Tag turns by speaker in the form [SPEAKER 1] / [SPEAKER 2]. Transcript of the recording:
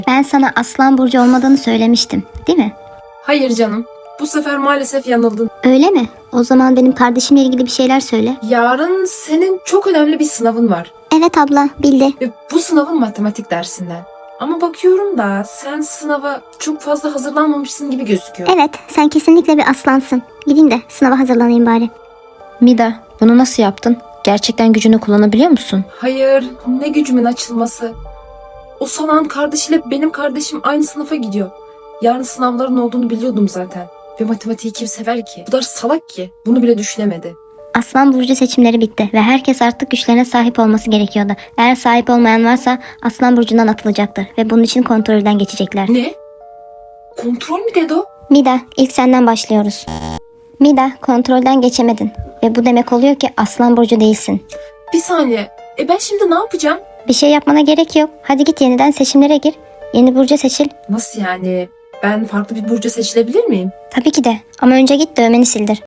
[SPEAKER 1] Ben sana Aslan Burcu olmadığını söylemiştim, değil mi?
[SPEAKER 2] Hayır canım. Bu sefer maalesef yanıldın.
[SPEAKER 1] Öyle mi? O zaman benim kardeşimle ilgili bir şeyler söyle.
[SPEAKER 2] Yarın senin çok önemli bir sınavın var.
[SPEAKER 1] Evet abla, bildi.
[SPEAKER 2] Ve bu sınavın matematik dersinden. Ama bakıyorum da sen sınava çok fazla hazırlanmamışsın gibi gözüküyor.
[SPEAKER 1] Evet, sen kesinlikle bir aslansın. Gideyim de sınava hazırlanayım bari.
[SPEAKER 3] Mida, bunu nasıl yaptın? Gerçekten gücünü kullanabiliyor musun?
[SPEAKER 2] Hayır, ne gücümün açılması. O salağın kardeşiyle benim kardeşim aynı sınıfa gidiyor. Yarın sınavların olduğunu biliyordum zaten. Ve matematiği kim sever ki? Bu kadar salak ki. Bunu bile düşünemedi.
[SPEAKER 1] Aslan Burcu seçimleri bitti ve herkes artık güçlerine sahip olması gerekiyordu. Eğer sahip olmayan varsa Aslan Burcu'ndan atılacaktır ve bunun için kontrolden geçecekler.
[SPEAKER 2] Ne? Kontrol mü dedi o?
[SPEAKER 1] Mida, ilk senden başlıyoruz. Mida, kontrolden geçemedin ve bu demek oluyor ki Aslan Burcu değilsin.
[SPEAKER 2] Bir saniye. Ben şimdi ne yapacağım?
[SPEAKER 1] Bir şey yapmana gerek yok. Hadi git yeniden seçimlere gir. Yeni burcu seçil.
[SPEAKER 2] Nasıl yani? Ben farklı bir burcu seçilebilir miyim?
[SPEAKER 1] Tabii ki de ama önce git dövmeni sildir.